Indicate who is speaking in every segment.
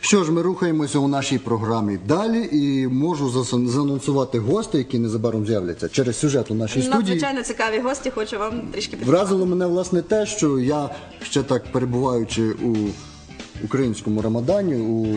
Speaker 1: Що ж, ми рухаємося у нашій програмі далі і можу заанонсувати гостей, які незабаром з'являться через сюжет у нашій студії.
Speaker 2: Надзвичайно цікаві гості, хочу вам трішки підказати.
Speaker 1: Вразило мене, власне, те, що я ще так перебуваючи у українському Рамадані,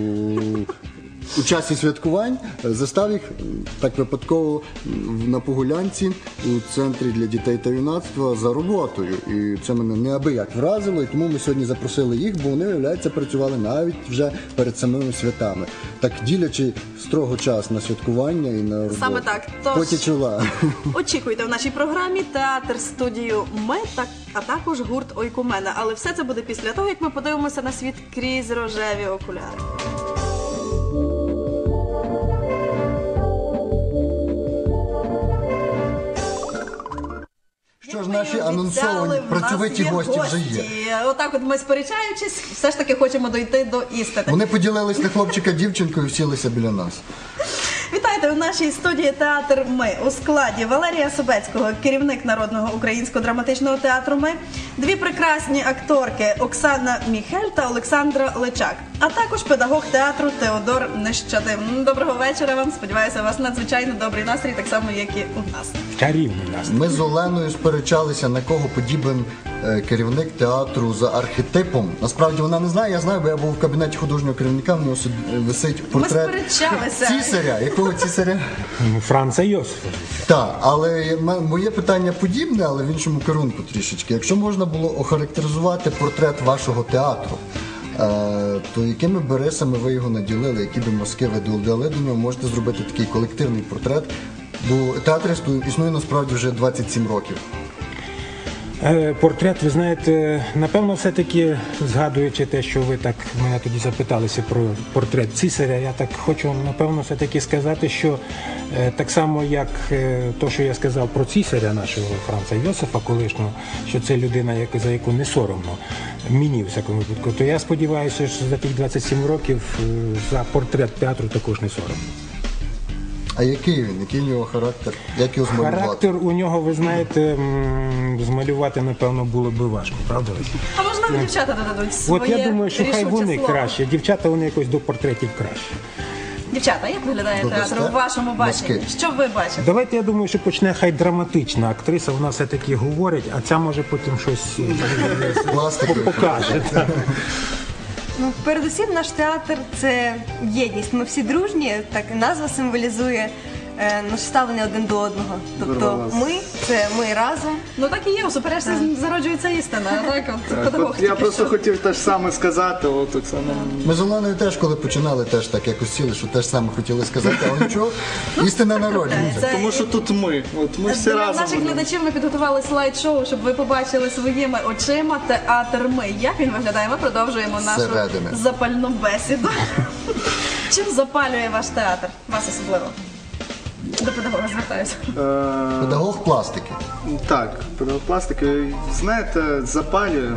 Speaker 1: у часі святкувань, застав їх так випадково на Погулянці у центрі для дітей та юнацтва за роботою. І це мене неабияк вразило, і тому ми сьогодні запросили їх, бо вони, виявляється, працювали навіть вже перед самими святами. Так ділячи строго час на святкування і на роботу.
Speaker 2: Саме так. Тож,
Speaker 1: поті чола.
Speaker 2: очікуйте в нашій програмі театр-студію «Ми», а також гурт «Ойкумена». Але все це буде після того, як ми подивимося на світ крізь рожеві окуляри.
Speaker 1: Що ж, наші анонсовані працьовиті гості вже є.
Speaker 2: Отак от ми сперечаючись, все ж таки хочемо дойти до істини.
Speaker 1: Вони поділились на хлопчика-дівчинку і сілися біля нас.
Speaker 2: Вітайте у нашій студії «Театр Ми» у складі Валерія Собецького, керівник Народного українського драматичного театру «Ми», дві прекрасні акторки Оксана Міхель та Олександра Личак, а також педагог театру Теодор Нещадим. Доброго вечора вам, сподіваюся, у вас надзвичайно добрий настрій, так само, як і у нас.
Speaker 3: Чарівний настрій.
Speaker 1: Ми з Оленою сперечалися, на кого подібен керівник театру за архетипом. Насправді вона не знає, я знаю, бо я був в кабінеті художнього керівника, в нього висить портрет цісаря. Якого цісаря?
Speaker 3: Франца Йосифовича. Так,
Speaker 1: але моє питання подібне, але в іншому керунку трішечки. Якщо можна було охарактеризувати портрет вашого театру, то якими би рисами ви його наділили, які би мазки ви дали до нього, можете зробити такий колективний портрет, бо театр існує насправді вже 27 років.
Speaker 3: Портрет, ви знаєте, напевно, все-таки, згадуючи те, що ви так мене тоді запиталися про портрет цісаря, я так хочу, напевно, все-таки сказати, що так само, як то, що я сказав про цісаря нашого Франца Йосифа колишнього, що це людина, за яку не соромно, мені, в всякому випадку, то я сподіваюся, що за тих 27 років за портрет театру також не соромно.
Speaker 1: А який він? Який у нього характер? Як його змалювати?
Speaker 3: Характер у нього, ви знаєте, змалювати, напевно, було би важко, правда?
Speaker 2: А можливо, дівчата додадуть своє.
Speaker 3: От я думаю, що хай вони
Speaker 2: слово.
Speaker 3: краще. Дівчата, вони якось до портретів краще.
Speaker 2: Дівчата, як виглядає театр у вашому баченні? Що ви бачите?
Speaker 3: Давайте, я думаю, що почне хай драматична актриса, вона все-таки говорить, а ця може потім щось покаже.
Speaker 4: Ну, передусім, наш театр – це єдність. Ми всі дружні, так і назва символізує наше ставлення один до одного. Тобто ми – це ми разом.
Speaker 2: Ну так і є, у суперечці зароджується істина.
Speaker 5: Я просто хотів те ж саме сказати.
Speaker 1: Ми з Оленою теж, коли починали, теж так якось сіли, що теж саме хотіли сказати, але нічого, істина народжується.
Speaker 5: Тому що тут ми. Ми всі разом.
Speaker 2: Для наших глядачів ми підготували слайд-шоу, щоб ви побачили своїми очима театр «Ми». Як він виглядає? Ми продовжуємо нашу запальну бесіду. Чим запалює ваш театр? Вас особливо? До педагога звертаюся.
Speaker 1: Педагог пластики.
Speaker 5: Так, педагог пластики. Знаєте, запалює.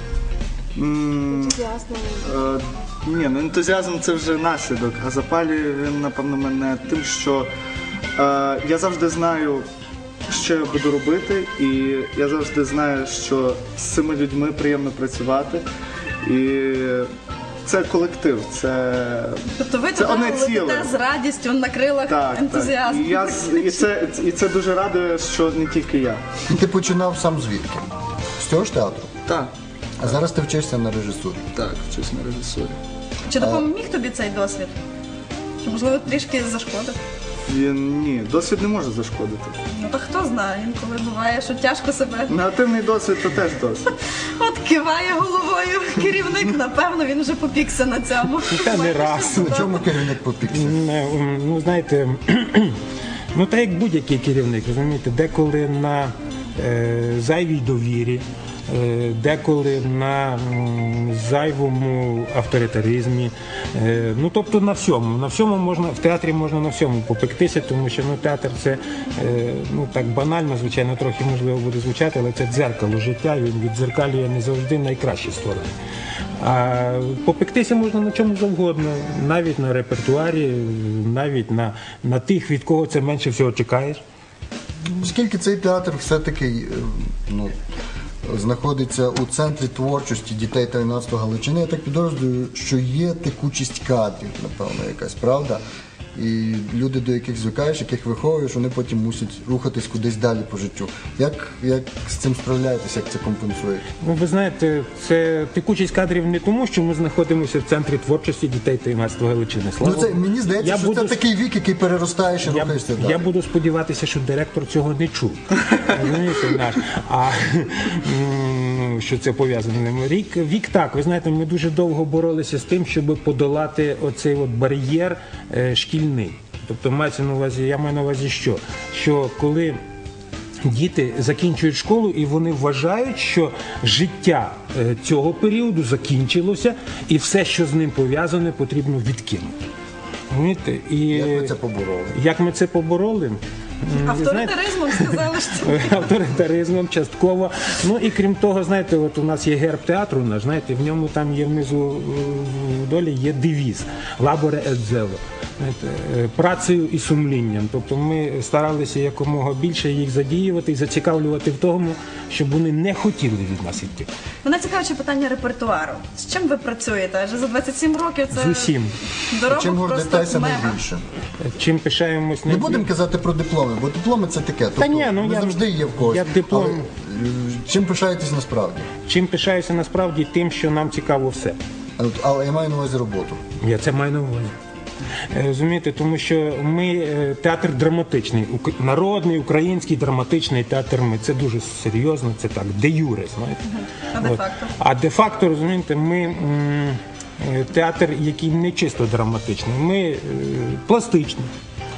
Speaker 5: Ні, ну ентузіазм це вже наслідок, а запалює він, напевно, мене тим, що я завжди знаю, що я буду робити, і я завжди знаю, що з цими людьми приємно працювати. І це колектив,
Speaker 2: тобто ви туди летите з радістю на крилах ентузіазму.
Speaker 5: І це дуже радує, що не тільки я.
Speaker 1: І ти починав сам звідки? З цього ж театру?
Speaker 5: Так.
Speaker 1: А зараз ти вчишся на режисурі?
Speaker 5: Так, вчусь на режисурі.
Speaker 2: Чи допоміг тобі цей досвід? Чи, можливо, трішки зашкодив?
Speaker 5: Ні, досвід не може зашкодити.
Speaker 2: Ну то хто знає, інколи буває, що тяжко себе.
Speaker 5: Негативний досвід – то теж досвід.
Speaker 2: От киває головою керівник, напевно, він вже попікся на цьому.
Speaker 3: Та не раз.
Speaker 1: На чому керівник попікся?
Speaker 3: Ну, знаєте, ну так як будь-який керівник, розумієте, деколи на зайвій довірі, деколи на зайвому авторитаризмі, ну тобто на всьому можна, в театрі можна на всьому попектися, тому що театр це, ну так банально, звичайно, трохи можливо буде звучати, але це дзеркало життя, він віддзеркалює не завжди найкращі сторони. А попектися можна на чому завгодно, навіть на репертуарі, навіть на тих, від кого це менше всього чекаєш.
Speaker 1: Оскільки цей театр все-таки знаходиться у центрі творчості дітей та юнацтва Галичини. Я так підозрюю, що є текучість кадрів, напевно, якась, правда? І люди, до яких звикаєш, яких виховуєш, вони потім мусять рухатись кудись далі по життю. Як з цим справляєтесь, як це компенсуєте?
Speaker 3: Ну, ви знаєте, це текучість кадрів не тому, що ми знаходимося в центрі творчості дітей та юнацтва Галичини.
Speaker 1: Ну, це, мені здається, що це такий вік, який переростаєш і рухаєшся далі.
Speaker 3: Я буду сподіватися, що директор цього не чув. Розумієте, наш. А що це пов'язано? Вік так, ви знаєте, ми дуже довго боролися з тим, щоб подолати оцей от бар'єр шкільний. Тобто мається на увазі, я маю на увазі що? Що коли діти закінчують школу і вони вважають, що життя цього періоду закінчилося і все, що з ним пов'язане, потрібно відкинути. Розумієте? І
Speaker 1: Як ви це побороли?
Speaker 3: Як ми це побороли?
Speaker 2: Авторитаризмом сказали, що
Speaker 3: Авторитаризмом частково. Ну і крім того, знаєте, от у нас є герб театру наш, знаєте, в ньому там є внизу в долі є девіз «Лаборе ет зело». Працею і сумлінням. Тобто ми старалися якомога більше їх задіювати і зацікавлювати в тому, щоб вони не хотіли від нас йти.
Speaker 2: мене цікавить питання репертуару. З чим ви працюєте? Адже за 27 років це
Speaker 3: З усім.
Speaker 2: доробок
Speaker 1: Чим
Speaker 2: просто
Speaker 1: гордитеся
Speaker 2: мега.
Speaker 1: найбільше?
Speaker 3: Чим пишаємось
Speaker 1: Не будемо казати про дипломи, бо дипломи це таке. Тобто,
Speaker 3: ні, ну,
Speaker 1: вони
Speaker 3: я-
Speaker 1: завжди є в когось.
Speaker 3: я диплом-
Speaker 1: Але, чим пишаєтесь насправді?
Speaker 3: Чим пишаюся насправді тим, що нам цікаво все.
Speaker 1: Але я маю на увазі роботу.
Speaker 3: Я це маю на увазі. Розумієте, тому що ми театр драматичний, народний український драматичний театр. Це дуже серйозно, це так, де юре, знаєте.
Speaker 2: А де-факто?
Speaker 3: А де-факто, розумієте, ми театр, який не чисто драматичний, ми пластичний.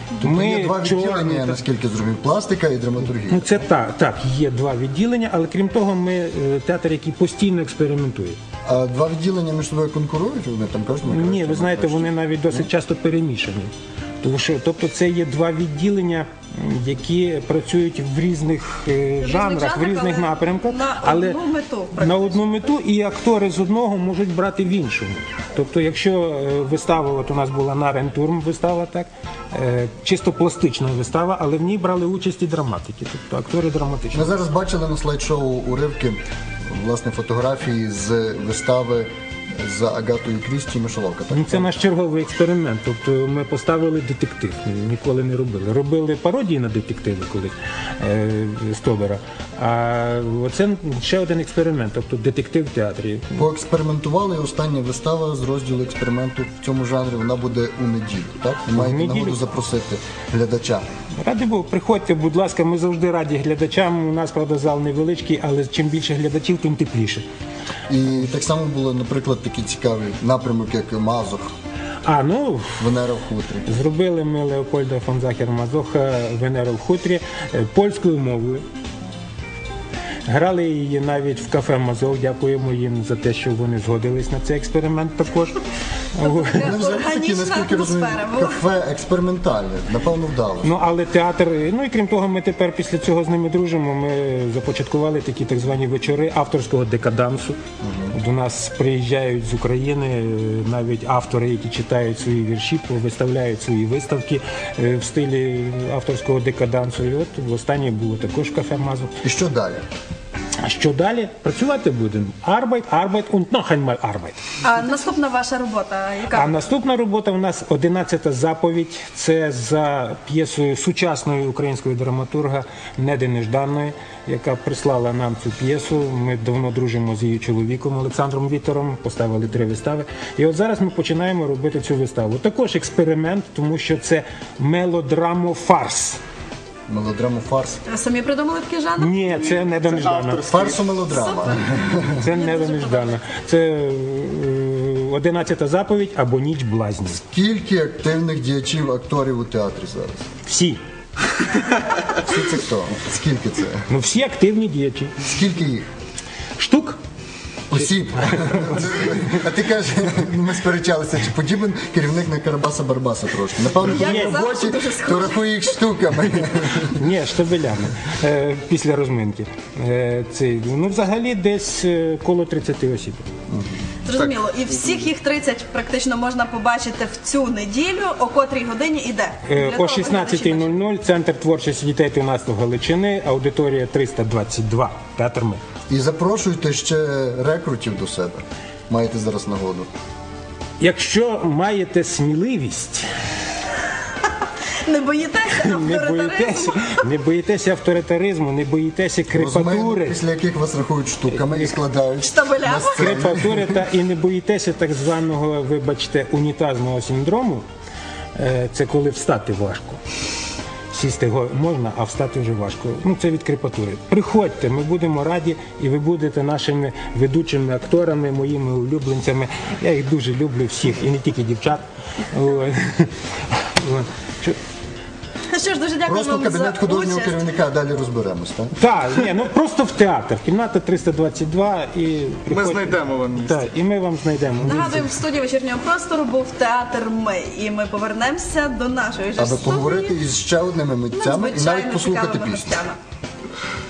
Speaker 1: Є два відділення, наскільки зрозумів, пластика і драматургія.
Speaker 3: Ну це так, є два відділення, але крім того, ми театр, який постійно експериментує.
Speaker 1: А два відділення між собою конкурують? Вони там кажуть,
Speaker 3: Ні, ви знаєте, вони навіть досить часто перемішані. Тому що, тобто, це є два відділення, які працюють в різних жанрах, в різних
Speaker 2: але
Speaker 3: напрямках,
Speaker 2: на
Speaker 3: але
Speaker 2: одну мету,
Speaker 3: на одну мету, і актори з одного можуть брати в іншому. Тобто, якщо вистава, от у нас була Нарентурм вистава, так, чисто пластична вистава, але в ній брали участь і драматики, тобто актори драматичні.
Speaker 1: Ми зараз бачили на слайд-шоу уривки, власне, фотографії з вистави за Агатою Крісті «Мишоловка». Так?
Speaker 3: Ну, це наш черговий експеримент. Тобто ми поставили детектив, ніколи не робили. Робили пародії на детективи колись Стобера. А це ще один експеримент, тобто детектив в театрі.
Speaker 1: Поекспериментували, і остання вистава з розділу експерименту в цьому жанрі, вона буде у неділю, так? Ви маєте
Speaker 3: неділю.
Speaker 1: нагоду запросити глядача.
Speaker 3: Раді Богу, приходьте, будь ласка, ми завжди раді глядачам. У нас, правда, зал невеличкий, але чим більше глядачів, тим тепліше.
Speaker 1: І так само було, наприклад, такий цікавий напрямок, як Мазох,
Speaker 3: Ну,
Speaker 1: Венера в хутрі.
Speaker 3: зробили ми Леопольда фон Захер-Мазоха «Венеру в хутрі» польською мовою. Грали її навіть в кафе «Мазов». Дякуємо їм за те, що вони згодились на цей експеримент також.
Speaker 1: Ну, взагалі такі,
Speaker 2: Органічна
Speaker 1: наскільки розумію,
Speaker 2: атмосфера була.
Speaker 1: кафе експериментальне, напевно, вдалося.
Speaker 3: Ну, але театр, ну і крім того, ми тепер після цього з ними дружимо. Ми започаткували такі так звані вечори авторського декадансу. До нас приїжджають з України навіть автори, які читають свої вірші, виставляють свої виставки в стилі авторського декадансу. І от востаннє було також кафе «Мазур».
Speaker 1: І що далі?
Speaker 3: А що далі? Працювати будемо. Arbeit, Arbeit und noch einmal Arbeit.
Speaker 2: А наступна ваша робота, яка?
Speaker 3: А наступна робота у нас 11-та заповідь. Це за п'єсою сучасної української драматурга Неди Нежданної, яка прислала нам цю п'єсу. Ми давно дружимо з її чоловіком Олександром Вітером, поставили 3 вистави. І от зараз ми починаємо робити цю виставу. Також експеримент, тому що це мелодрамо-фарс.
Speaker 1: Мелодраму фарс.
Speaker 2: Ви самі придумали такий жанр?
Speaker 3: Ні, це Неда Неждана.
Speaker 1: Фарсу мелодрама.
Speaker 3: Це Неда Неждана. Це 11-та заповідь або ніч блазнів.
Speaker 1: Скільки активних діячів, акторів у театрі зараз?
Speaker 3: Всі.
Speaker 1: Всі це хто? Скільки це?
Speaker 3: Ну всі активні діячі.
Speaker 1: Скільки їх?
Speaker 3: Штук.
Speaker 1: Осіб. А ти кажеш, ми сперечалися, чи подібен керівник на Карабаса-Барбаса трошки. Напевно,
Speaker 2: Я
Speaker 1: в
Speaker 2: казала,
Speaker 1: роботі,
Speaker 2: що дуже схоже.
Speaker 1: то рахує їх штуками.
Speaker 3: Ні, штабелями. Після розминки. Ну, взагалі, десь коло 30 осіб.
Speaker 2: Зрозуміло. І всіх їх 30 практично можна побачити в цю неділю. О котрій годині іде?
Speaker 3: О 16:00 Центр творчості дітей 13 Галичини, аудиторія 322, театр «Ми».
Speaker 1: І запрошуйте ще рекрутів до себе. Маєте зараз нагоду.
Speaker 3: Якщо маєте сміливість,
Speaker 2: Не боїтеся авторитаризму?
Speaker 3: не боїтеся авторитаризму, не боїтеся
Speaker 1: Розуміємо,
Speaker 3: крепатури,
Speaker 1: після яких вас рахують штуками і складають
Speaker 2: Штабелями?
Speaker 1: на сцені.
Speaker 3: крепатури і не боїтеся так званого, вибачте, унітазного синдрому, це коли встати важко. Сісти можна, а встати вже важко. Ну, це від крепатури. Приходьте, ми будемо раді, і ви будете нашими ведучими акторами, моїми улюбленцями. Я їх дуже люблю всіх, і не тільки дівчат. От. От.
Speaker 2: Що ж, дуже дякую
Speaker 1: Просто
Speaker 2: вам за
Speaker 1: кабінет художнього
Speaker 2: участь.
Speaker 1: керівника, а далі розберемось, так?
Speaker 3: Так, ні, ну просто в театр. Кімната 322 і
Speaker 5: Ми
Speaker 3: приходьте.
Speaker 5: знайдемо вам місце.
Speaker 3: Так, і ми вам знайдемо.
Speaker 2: Нагадуємо, в студії вечірнього простору був театр «Ми». І ми повернемося до нашої ж
Speaker 1: Аби
Speaker 2: студії.
Speaker 1: поговорити із ще одними митцями і навіть
Speaker 2: надзвичайно
Speaker 1: послухати
Speaker 2: цікавими
Speaker 1: пісню.
Speaker 2: гостями.